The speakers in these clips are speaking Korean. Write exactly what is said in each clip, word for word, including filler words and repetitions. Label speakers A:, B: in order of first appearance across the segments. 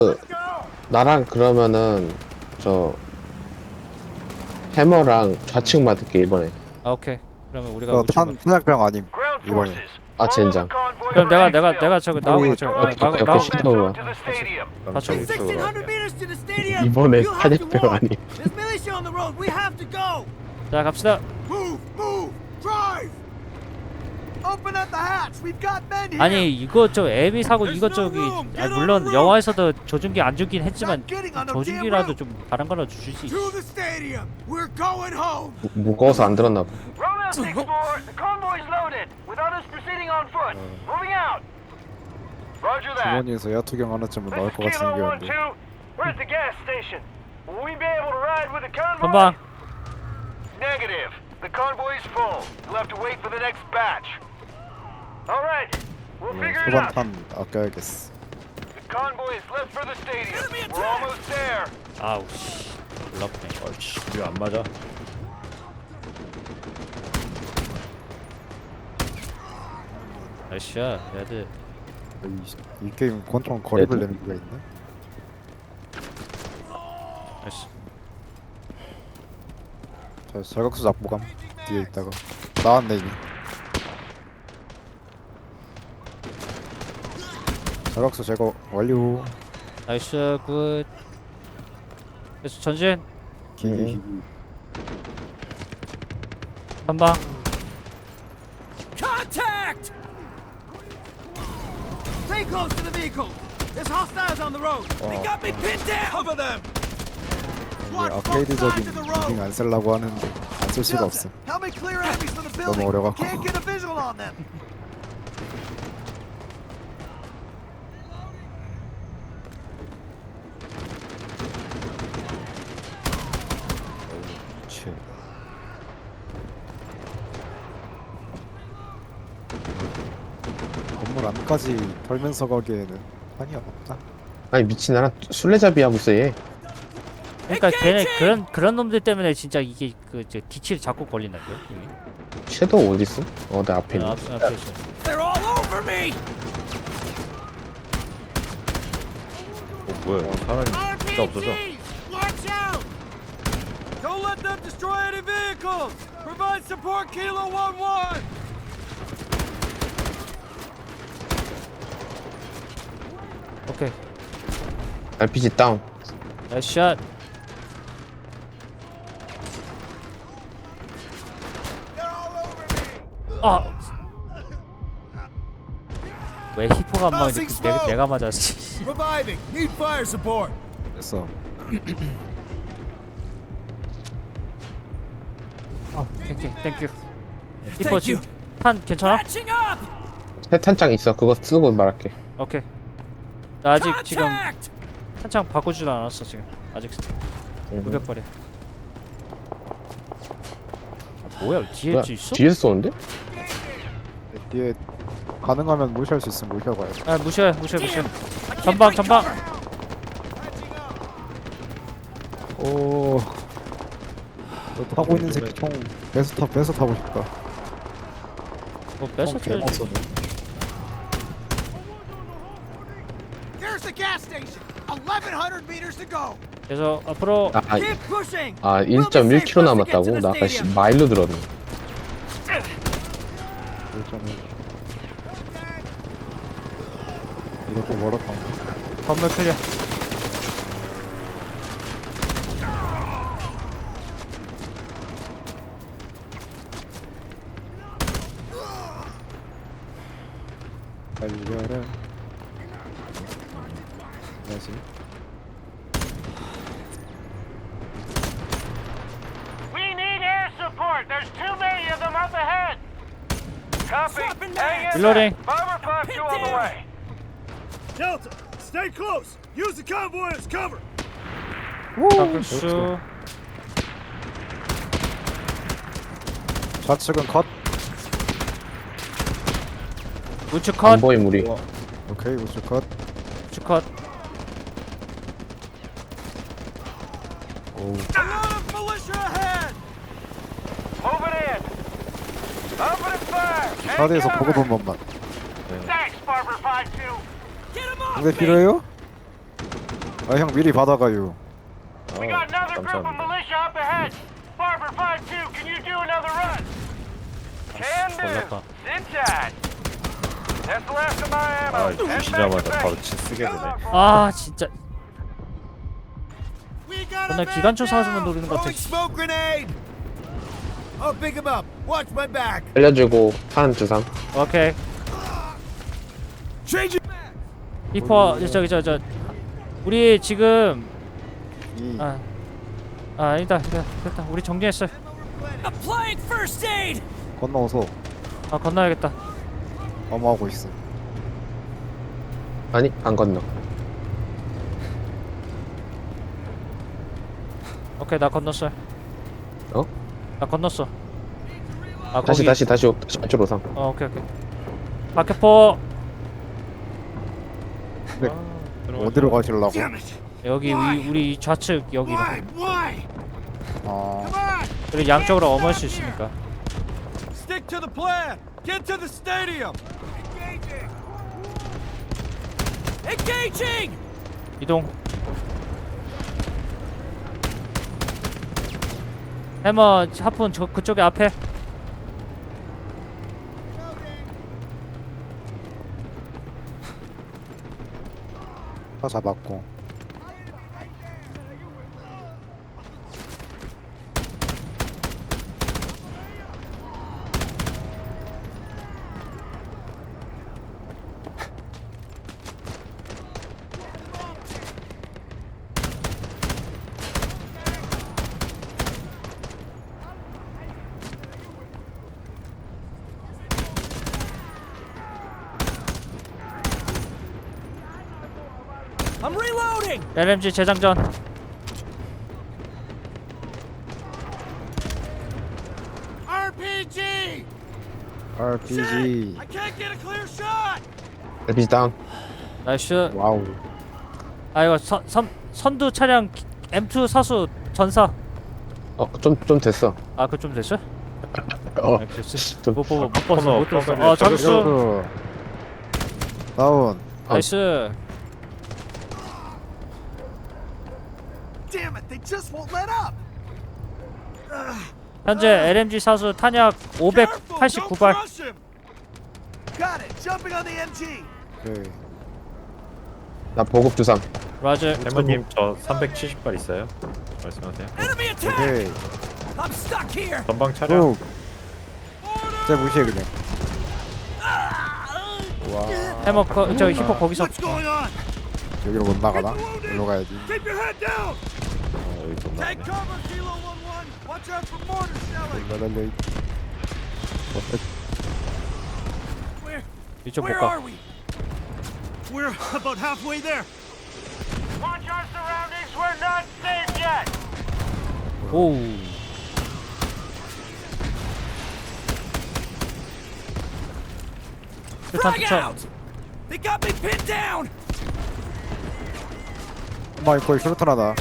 A: 나랑 그러면은 저 해머랑 좌측 맞을게 이번에.
B: 아 오케이. 그러면 우리가
C: 저
B: 우측
C: 탄, 탄약병 아님
D: Ground
C: 이번에.
D: forces.
A: 아 젠장.
B: 그럼 내가 내가 내가 저기 나하고 저기 아,
A: 옆에
B: 나하고
A: 옆에
B: 나하고
A: 시도가.
D: To the stadium.
B: 같이
E: sixteen hundred meters to the stadium.
A: 이번에
E: You have to
A: 탄약병
E: walk.
A: 아니.
E: There's militia on the road. We have to go.
B: 자 갑시다.
E: Move, move, drive. Open up the hatch. We've got men here.
B: 아니 이거 저 애비 사고 이거 저기 아, 물론 영화에서도 조준기 안 주긴 했지만 조준기라도 좀 다른 거라도 줄 수 있어.
E: To the stadium. We're going home.
A: 무- 무거워서 안 들었나 봐.
D: Roll out, six four. The convoy's loaded. With others proceeding on foot. Moving out. Roger that.
C: 주머니에서 야투경 하나쯤은
D: This
C: 나올
D: is
C: 것 같이
D: Kilo one
C: 생겼는데.
D: two. Where's the gas station? Will we be able to ride with the convoy?
B: 선방.
D: Negative. The convoy's full. You'll have to wait for the next batch. All right. We'll figure it out.
C: 소방탄 아껴야겠어.
D: The convoy is left for the stadium. We're almost there.
B: 아우 씨. 놀랍네.
F: 아이씨 우리 안 맞아.
B: 아이씨야 얘들.
C: 이, 이 게임 권총 거리를 내는 게 있네.
B: 아이씨.
C: 저 저격수 잡보감 뒤에 있다가 나왔네 이미. 저격수 제거 완료.
B: 나이스 굿. 그래서 전진.
C: 기기
B: 선방.
E: Contact. Stay close to the vehicle. There's hostiles on the road. They got me pinned down. Cover them.
C: 이게 아케이드적인 무빙 안 쓰려고 하는데 안 쓸 수가 없어.
E: Help me clear enemies from the building.
C: 너무 어려갖고.
E: Can't get a visual on them.
F: 치.
C: 건물 안까지 털면서 가기에는 한이 없다.
A: 아니 미친 나랑 술래잡이 하고 있어 얘.
B: 그러니까 걔네 그런 그런 놈들 때문에 진짜 이게 그저 뒤치를 자꾸 걸린다고요. 여기.
A: 섀도우 어디 있어? 어 내 앞에
B: 아,
A: 있네.
B: 앞 앞에 있어.
E: They're all over me.
F: 어 뭐야 사람이 진짜 없어져.
E: Watch out! Don't let them destroy any vehicles. Provide support, Kilo one one.
B: 오케이.
A: 알피지 다운.
B: 나이스 샷. 아. 왜 히포가 안 맞는데 그 내가, 내가 맞았지.
E: Reviving. Need fire support.
C: 됐어.
B: 어, 땡큐, 땡큐. 히포 지금 탄 괜찮아?
E: Patching up.
A: 세탄장 있어. 그거 쓰고 말할게.
B: 오케이. 나 아직 지금
E: Contact.
B: 탄창 바꾸지도 않았어 지금. 아직
A: 음.
B: 무게버려. 뭐야 뒤에
A: 뭐야,
B: 있어?
A: 뒤에서 쏘는데?
C: 뒤에 가능하면 무시할 수 있으면 무시하고요.
B: 아 무시해, 무시해, 무시해. 전방, 전방.
C: 오. 너 타고 있는 새끼 총 배수 타 배수 타고 싶다.
B: 뭐 뺏어줘야지.
C: 개맛쏘네.
E: There's the gas station. eleven hundred meters to go.
B: 그래서 앞으로
A: 아,
E: Keep pushing.
A: 아 일 점 일 킬로미터 남았다고? 나 아까 씨, 마일로 들었네.
C: 일점을. 이것도 멀었다.
B: 건물 클리어.
C: 달려라. 뭐지?
D: We need air support. There's too many of them up ahead. Copy. Hang in
B: Reloading.
D: there. Five or five two on the way.
E: Delta, stay close. Use the convoy as cover.
B: 박수.
C: 좌측은 컷.
B: 우측 컷.
A: 안 보임 우리.
C: 오케이 우측 컷.
B: 우측 컷.
E: A lot of militia ahead.
D: Move it in. Open and fire. Take
C: 사대에서
D: cover.
C: 보급 한 번만.
D: Thanks, Barber five two.
E: Get him off
C: 근데
E: me.
C: 필요해요? 아 형 미리 받아가요.
D: We got another group of
F: 감사합니다.
D: militia up ahead. Barber five two, can you do another run? Can do.
B: 몰랐다.
D: Sit tight. That's the last of my ammo.
F: 아
D: Head back to
F: 주시자마자 바로
D: base.
F: 치 쓰게 되네.
B: 아 진짜
E: We got
B: 맨날
E: a man
B: 기관총 사주면
E: down.
B: 노리는 것 같아.
E: Throwing smoke grenade. I'll pick him up. Watch my back.
A: 알려주고 탄 주삼.
B: 오케이.
E: Change it.
B: 히퍼 저기 저 저 우리 지금
C: 이
B: 아, 아 아니다 됐다, 됐다 우리 정리했어.
E: Applying first aid.
C: 건너서
B: 아 건너야겠다.
C: 넘어가고 있어.
A: 아니 안 건너.
B: 오케이 나 건넜어.
A: 어?
B: 나 건넜어. 아
A: 다시
B: 거기.
A: 다시 다시 오- 다시 안쪽으로 삼.
B: 어 오케이 오케이. 박격포
C: 어디로 가실라고?
E: Damn it.
B: 여기 위, 우리 좌측 여기로.
E: Why? Why?
C: 아
E: Come on.
B: 그리고 양쪽으로 어머할 수 있으니까.
E: Stick to the plan. Get to the stadium. Engaging. Engaging.
B: 이동. 해머 하푼 저 그쪽에 앞에.
C: 다 잡았고.
E: I'm reloading.
B: 엘엠지 재장전.
E: 아르피지.
C: 알피지.
E: I can't get a clear shot.
A: 엘피지 다운.
B: 나이스.
C: 와우.
B: 아 이거 선, 선 선두 차량 엠 투 사수 전사.
A: 어좀 좀 됐어.
B: 아 그 좀 됐어?
A: 어.
B: 아, 됐어.
A: 좀
B: 못 보고 못 봤어
F: 코너,
B: 못 들었어.
F: 코너에
B: 아 잠수.
C: 이렇게 다운.
B: 나이스.
E: Damn it! They just won't let up.
B: 현재 엘엠지 사수 탄약 오백팔십구 발.
E: Crush him. Got it. Jumping on the M G.
C: 오케이.
A: 나 보급 주삼.
B: 라즈.
F: 해머님 저 삼백칠십 발 있어요? 말씀하세요.
E: Enemy attack.
C: 오케이.
E: I'm stuck here.
F: 전방 차량.
C: 쭉. 진짜 무시해 그냥.
B: 해머 거, 저 히퍼 거기서.
E: What's going on?
C: 여기로 못 나가나? 일로 가야지.
E: Keep your head down.
F: 어, 여기 좀
E: Take
F: 나네.
E: cover, Kilo one one. Watch out for mortar shelling.
C: 랄랄레이.
E: Where?
B: 이쪽
E: Where
B: 볼까?
E: are we? We're about halfway there.
D: Watch our surroundings, we're not safe yet.
B: 오우. 일단
E: Frag
B: 투척.
E: out. They got me pinned down.
C: 엄마 이거 슈루탄 하나.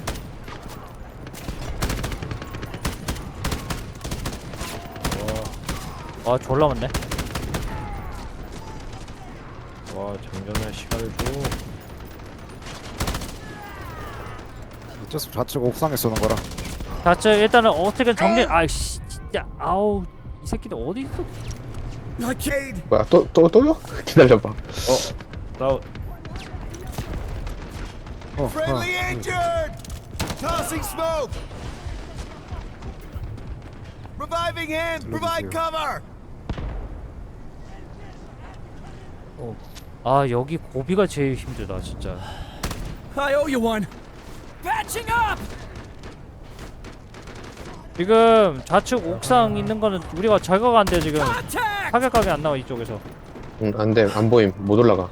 B: 아 졸라 많네.
F: 와 장전할 시간을 줘.
C: 어쩔 수 없이 좌측 옥상에 쏘는 거라.
B: 좌측 일단은 어떻게 정리. 아이씨 진짜 아우 이 새끼들 어디 있어?
E: Arcade.
A: 뭐야 또 또 또요? 기다려봐.
F: 다운.
C: 어, 어.
E: Friendly injured. Tossing smoke. Reviving him. Provide cover.
B: 아 여기 고비가 제일 힘들다 진짜.
E: I owe you one. Patching up.
B: 지금 좌측 옥상 있는 거는 우리가 제거가 안 돼 지금.
E: Contact.
B: 타격각이 안 나와 이쪽에서.
A: 응 안돼 안 보임 못 올라가.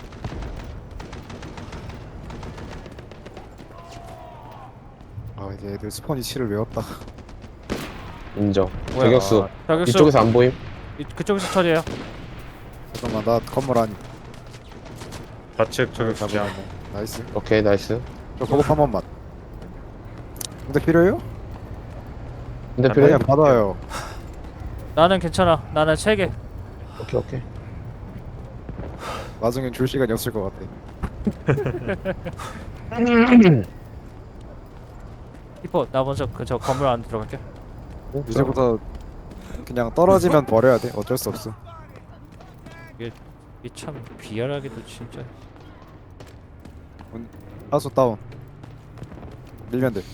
C: 아 이제 애들 스폰 이치를 외웠다.
A: 인정.
B: 뭐야?
A: 저격수.
B: 저격수
A: 이쪽에서 안 보임.
B: 이, 그쪽에서 처리해요.
C: 잠깐만 나 건물 안.
F: 좌측 저기 가자.
C: 나이스.
A: 오케이 나이스.
C: 저 보급 한 번만. 근데 필요해요?
A: 근데 필요해.
C: 그냥 받아요.
B: 나는 괜찮아. 나는 세 개.
A: 오케이 오케이.
C: 나중엔 줄 시간이 없을 것 같아.
B: 히퍼 나 먼저 그 저 건물 안에 들어갈게.
C: 이제부터 그냥 떨어지면 버려야 돼. 어쩔 수 없어.
B: 이게 참 비열하게도 진짜.
C: 하수 다운. 밀면 돼.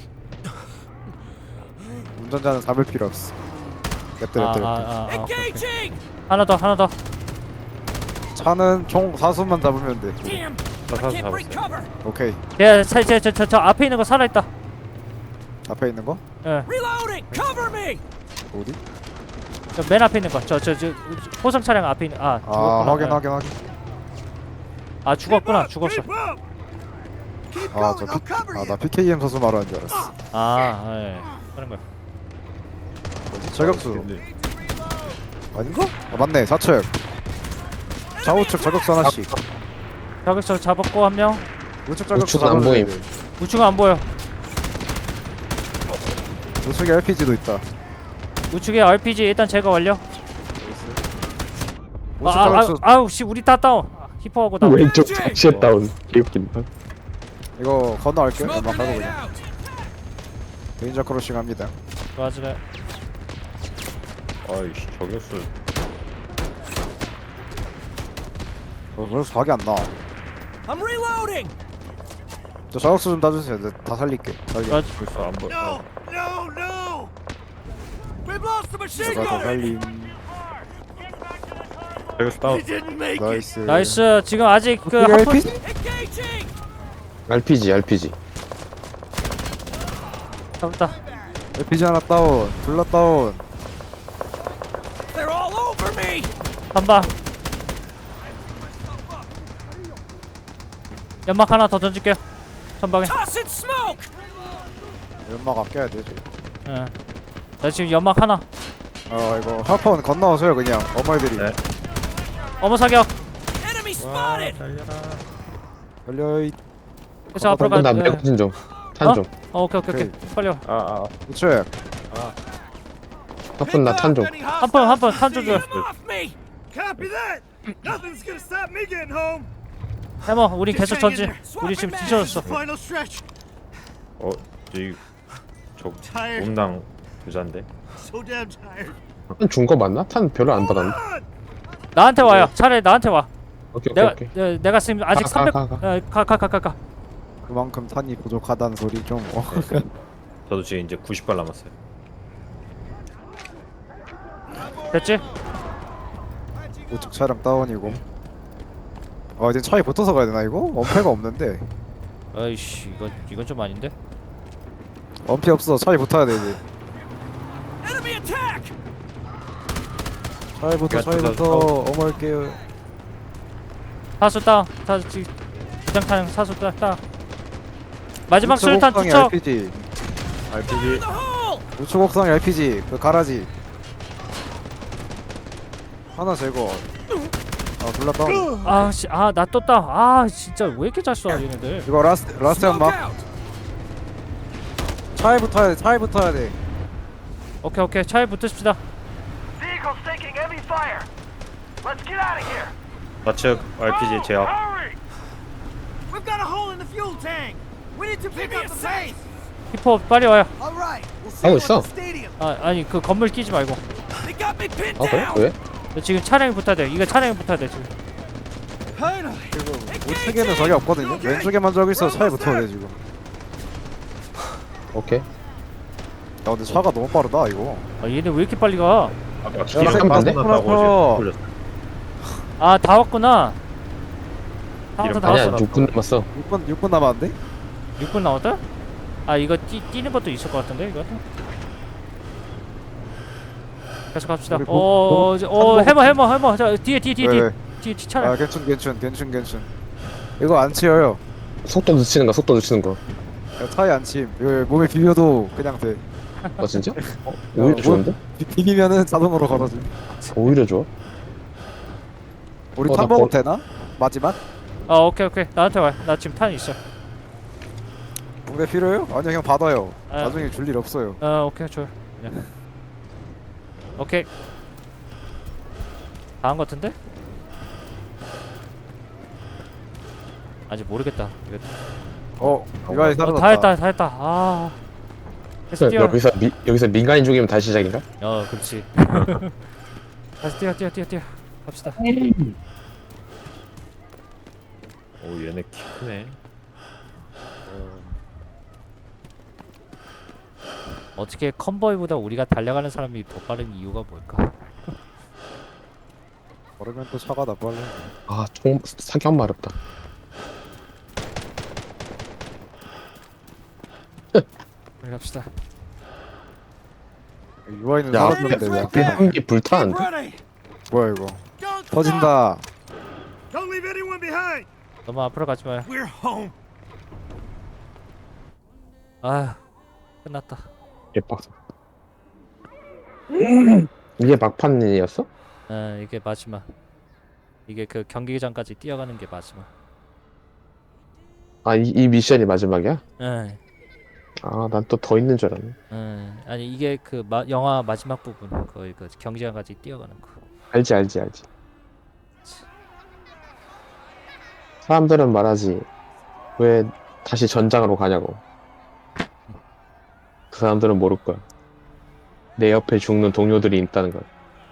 C: 운전자는 잡을 필요 없어. 냅둬
B: 아, 아,
C: 냅둬.
B: 아, 아, 오케이, 오케이.
E: Engaging!
B: 하나 더 하나 더.
C: 차는 총 사수만 잡으면 돼.
E: Damn!
F: 다
E: I
F: 사서
E: can't break
F: 잡았어요.
E: cover!
C: 오케이.
B: 야, 저저 저 저 앞에 있는 거 살아 있다.
C: 앞에 있는 거?
B: 예.
E: Reloading! Cover me!
C: 어디?
B: 저 맨 앞에 있는 거. 저 저 저 호성 차량 앞에 있는. 아,
C: 아
B: 죽었구나.
C: 확인
B: 예.
C: 확인 확인.
B: 아, 죽었구나. 죽었어.
E: Keep up! Keep
C: 아
E: going,
C: 저
E: I'll cover
C: 아나
E: you!
C: 피케이엠 선수 말하는 줄 알았어.
B: 아, 예. 하는 거야.
C: 저격수
F: 근데
C: 아닌가? 아 맞네 좌측. 좌우측 저격수 하나씩.
B: 저기서 잡았고 한 명.
C: 우측 저격수
A: 우측은 안
C: 잡아줘야
A: 보임.
C: 돼.
B: 우측은 안 보여.
C: 우측에 알피지도 있다.
B: 우측에 알피지 일단 제거 완료. 아,
C: 우측
B: 아, 아,
C: 저격수
B: 아우 씨 우리 다 다운. 히퍼하고 다운.
A: 왼쪽 착시에 다운. 개웃긴다.
C: 이거 건너갈게. 연막
E: Smoke
C: 깔고
E: grenade
C: 그냥.
E: out!
C: 레인저 크로싱 합니다.
B: 맞으래.
F: 아이씨 저격수
C: 어, 그래서 각이 안 나.
E: I'm reloading!
C: 저 저격수 좀 따주세요. 내가 다 살릴게. 살게.
B: 맞.
F: 벌써 안 보여.
E: No! No! No! We've lost the machine
C: 제가 다
E: gunner!
C: 살림.
F: 저격수 다운.
E: We didn't make it!
C: 나이스.
B: 나이스. 지금 아직 그
C: 이게
B: 하프
C: 알피지?
E: Engaging!
A: 알피지, 알피지.
B: 잡았다.
C: 알피지 하나 다운. 둘 다 다운.
E: They're all over me!
B: 한 방. 연막 하나 더 던질게요. 전방에.
E: Tossing smoke!
C: 연막 아껴야 되지.
B: 예. 나 지금 연막 하나.
C: 아 이거 하퍼는 건너오세요 그냥 어머니들이.
F: 네.
B: 어머 사격.
E: Enemy spotted!
C: 걸려이.
B: 그래서 앞으로 가.
A: 나
B: 예.
A: 맥진 좀. 탄
B: 어?
A: 좀.
B: 어, 오케이 오케이 오케이. 빨리 와.
F: 아아
C: 우측.
A: 하픈 나 탄 좀.
B: 한 번 한 번 탄 좀 줘.
E: Get off me! Copy that! Nothing's gonna stop me getting home!
B: 해머, 우리 계속 전진. 우리 지금 뒤쳐졌어.
E: Final stretch!
F: 어 저기 저
E: Tired.
F: 몸당 부자인데.
E: So damn tired.
A: 탄 준 거 맞나? 탄 별로 안 받았네.
B: 나한테 와요. 차라리 나한테 와.
A: 오케이, 오케이,
B: 내가
A: 오케이.
B: 내, 내가 지금 아직
A: 가,
B: 삼백.
A: 가, 가,
B: 가 가 가 가 가.
C: 그만큼 탄이 부족하다는 소리 좀. 어.
F: 저도 지금 이제 구십 발 남았어요.
B: 됐지?
C: 우측 차량 다운이고. 아 이제 차에 붙어서 가야 되나 이거? 엄폐가 없는데.
B: 아이씨, 이건 이건 좀 아닌데.
C: 엄폐 없어. 차에 붙어야 돼 이제.
E: Enemy attack!
C: 차에 붙어.
F: 야,
C: 차에
F: 저,
C: 붙어.
F: 저,
C: 어머니께요.
B: 사수 다운. 사 지금 기장탄 사수 다 다. 마지막
C: 우측
B: 수류탄
C: 옥상에
B: 투척.
C: 알피지.
F: 알피지
E: The hole!
C: 우측 옥상에 알피지. 그 가라지. 하나 제거. 아 둘 다 다운.
B: 아 씨, 아 나 또 다운. 아 진짜 왜 이렇게 잘 쏴, 얘네들.
C: 이거 라스트 라스트
E: Smoke
C: 연막.
E: out!
C: 차에 붙어야 돼. 차에 붙어야 돼.
B: 오케이 오케이, 차에 붙으십시다.
D: Vehicle's taking heavy fire. Let's get out of here.
F: 좌측 알피지 제압.
D: Hurry!
E: We've got a hole in the fuel tank! We need to pick up the pace!
B: 히퍼 빨리 와요.
E: All right, we'll see
A: 하고
E: you
A: 있어.
E: at the stadium.
B: 아 아니 그 건물 끼지 말고.
E: They got me pinned
A: 아, 그래?
E: down!
A: 왜?
B: 지금 차량이 붙어야 돼. 이거 차량이 붙어야 돼 지금.
E: Finally!
C: 우측에는 적이 없거든요. 왼쪽에만 적이 있어. 차에 붙어야 돼 지금.
A: 오케이.
C: 야 근데 차가 너무 빠르다 이거.
B: 아 얘네 왜 이렇게 빨리 가?
F: 아까
A: 야,
F: 기계를
A: 잠깐만,
F: 끝났다고
C: 끝났어.
F: 돌렸어.
B: 아 다 왔구나. 다 왔어 다
A: 아니야,
B: 왔어.
A: 육 분 남았어.
C: 육 분 육 분 남았는데?
B: 육 분 남았다? 아 이거 뛰, 뛰는 것도 있을 것 같은데 이거? 계속 갑시다.
C: 우리 보-
B: 어,
C: 보-
B: 어,
C: 한복-
B: 해머 해머 해머. 자 뒤에 뒤에 뒤에
C: 왜,
B: 뒤에
C: 왜?
B: 뒤에 뒤 차량.
C: 아 괜춘 괜춘 괜춘 괜춘. 이거 안 치여요.
A: 속도 늦추는 거, 속도 늦추는 거.
C: 야, 차에 안 침. 이거 몸에 비벼도 그냥 돼.
A: 어, 진짜? 어, 오히려
C: 뭐-
A: 좋은데?
C: 비- 비비면은 자동으로 걸어줘.
A: 오히려 좋아.
C: 우리
A: 어,
C: 탄
A: 나
C: 먹어도
A: 거-
C: 되나? 마지막?
B: 아 오케이 오케이 나한테 와. 나 지금 탄 있어.
C: 붕대 필요해요? 아니요 그냥 받아요.
B: 아.
C: 나중에 줄 일 없어요.
B: 어 오케이 좋아. 네. 오케이. 다한 것 같은데? 아직 모르겠다. 이거
C: 어 이거
B: 어,
C: 사라졌다.
B: 다 했다 다 했다. 아. 다시 뛰어.
A: 여기서 미, 여기서 민간인 죽이면 다시 시작인가?
B: 어, 그렇지. 다시 뛰어 뛰어 뛰어 뛰어. 갑시다.
F: 오 얘네 키 크네.
B: 어떻게 컨보이보다 우리가 달려가는 사람이 더 빠른 이유가 뭘까?
C: 걸으면 또 차가 나 빨리.
A: 아, 총 사격 마렵다.
B: 우리 갑시다.
C: 유아인은
A: 야,
C: 사라졌는데 왜
A: 앞에
C: 앞에
A: 한개
E: Keep
A: 불타는데?
E: ready.
C: 뭐야 이거?
E: Don't stop.
C: 터진다.
E: Don't leave anyone behind.
B: 너무 앞으로 가지 마요.
E: We're home.
B: 아, 끝났다.
A: 개빡. 이게 막판이었어?
B: 어, 이게 마지막. 이게 그 경기장까지 뛰어가는 게 마지막.
A: 아, 이, 이 미션이 마지막이야?
B: 응,
A: 아, 난 또 더 있는 줄 알았네.
B: 응. 아니 이게 그 마, 영화 마지막 부분 거의 그 경기장까지 뛰어가는 거.
A: 알지, 알지, 알지. 사람들은 말하지. 왜 다시 전장으로 가냐고. 그 사람들은 모를 거야. 내 옆에 죽는 동료들이 있다는 걸.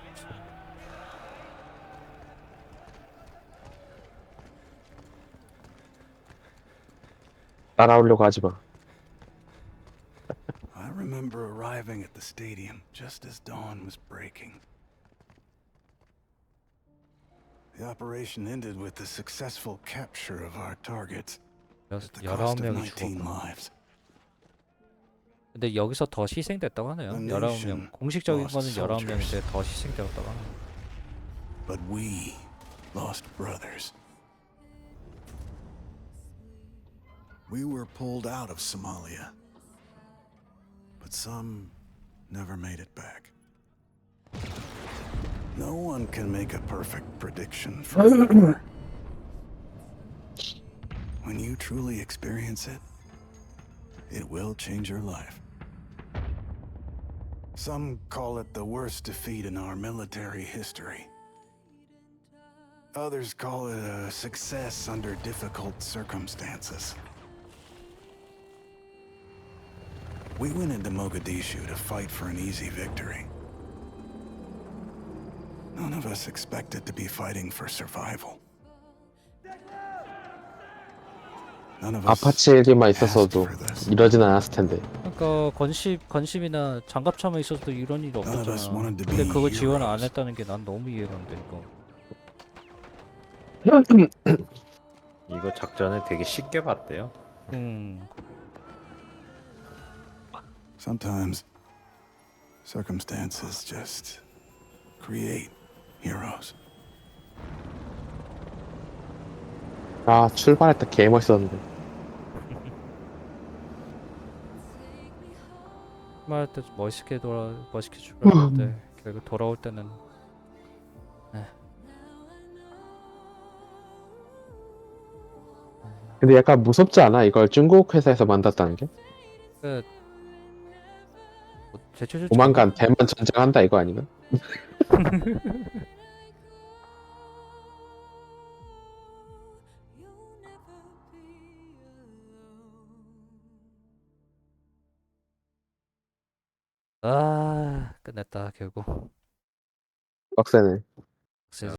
A: 따라오려고 하지 마.
G: I remember arriving at the stadium just as dawn was breaking. The operation ended with the successful capture of our targets
B: 여,
G: at the
B: 열아홉
G: cost of
B: 명이
G: nineteen
B: 죽었구나.
G: lives.
B: 근데 여기서 더 희생됐다고 하네요.
G: The
B: 열아홉 명.
G: nation
B: 공식적인
G: lost
B: 거는 열아홉 명인데
G: soldiers.
B: 더 희생되었다고 하네요.
G: But we lost brothers. We were pulled out of Somalia, but some never made it back. No one can make a perfect prediction for war. When you truly experience it, it will change your life. Some call it the worst defeat in our military history. Others call it a success under difficult circumstances. We went into Mogadishu to fight for an easy victory. None of us expected to be fighting for survival. None of us
A: 아파치 일기만
G: asked
A: 있었어도
G: for this.
A: 이러진 않았을 텐데.
B: 그러니까 건심 건심이나 장갑차만 있어도 이런 일이
G: None of us
B: 없었잖아.
G: wanted to
B: 근데
G: be
B: 그거 지원 안
G: heroes.
B: 했다는 게 난 너무 이해가 안 돼. 이거.
F: 이거 작전을 되게 쉽게 봤대요.
B: 음.
G: Sometimes circumstances just create heroes.
A: 아, 출발할 때 개 멋있었는데.
B: 말할 때 멋있게 돌아 멋있게 출발했는데 결국 돌아올 때는
A: 근데 약간 무섭지 않아? 이걸 중국 회사에서 만들었다는 게?
B: 그 뭐, 대체적으로
A: 조만간 대만 전쟁한다 이거 아닌가?
B: 아 끝냈다 결국.
A: 빡세네.